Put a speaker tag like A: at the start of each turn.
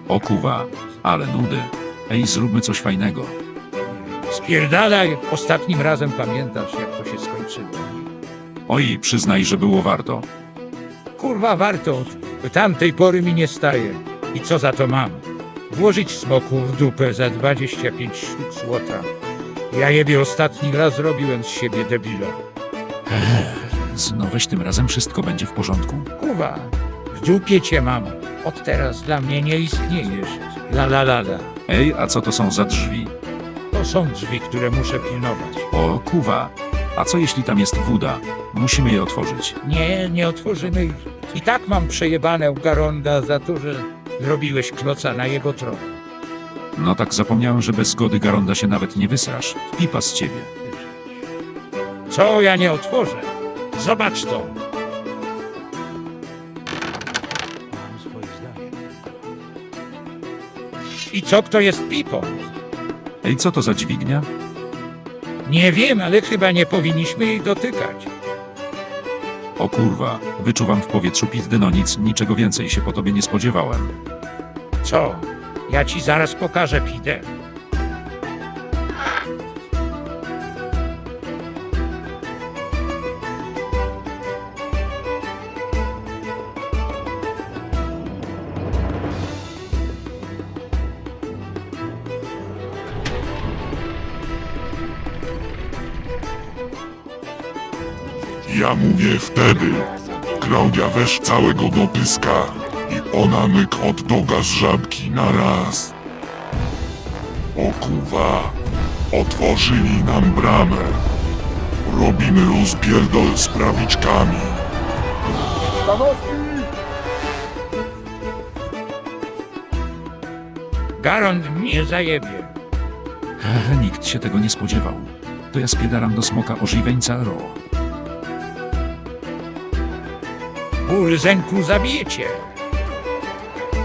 A: O kuwa, ale nudy. Ej, zróbmy coś fajnego.
B: Spierdalaj, ostatnim razem pamiętasz, jak to się skończyło.
A: Oj, przyznaj, że było warto.
B: Kurwa, warto, od tamtej pory mi nie staje. I co za to mam? Włożyć smoku w dupę za 25 sztuk złota. Ja jebie ostatni raz zrobiłem z siebie debila.
A: No weź tym razem wszystko będzie w porządku.
B: Kurwa, w dupie cię mam. Od teraz dla mnie nie istniejesz. La.
A: Ej, a co to są za drzwi?
B: To są drzwi, które muszę pilnować.
A: O kuwa, a co jeśli tam jest woda? Musimy je otworzyć.
B: Nie otworzymy ich. I tak mam przejebane u Garonda za to, że zrobiłeś kloca na jego tron.
A: No tak zapomniałem, że bez zgody Garonda się nawet nie wysrasz. Pipa z ciebie.
B: Co ja nie otworzę? Zobacz to. I co, kto jest pipą?
A: Ej, co to za dźwignia?
B: Nie wiem, ale chyba nie powinniśmy jej dotykać.
A: O kurwa, wyczuwam w powietrzu pizdy, no nic, niczego więcej się po tobie nie spodziewałem.
B: Co? Ja ci zaraz pokażę pidę.
C: Ja mówię wtedy. Klaudia weź całego do pyska i ona myk hot doga z żabki na raz. O kuwa, otworzyli nam bramę. Robimy rozpierdol z prawiczkami.
B: Garond mnie zajebie.
A: Nikt się tego nie spodziewał. To ja spiedaram do smoka ożywieńca ro.
B: Ból zęku zabijecie.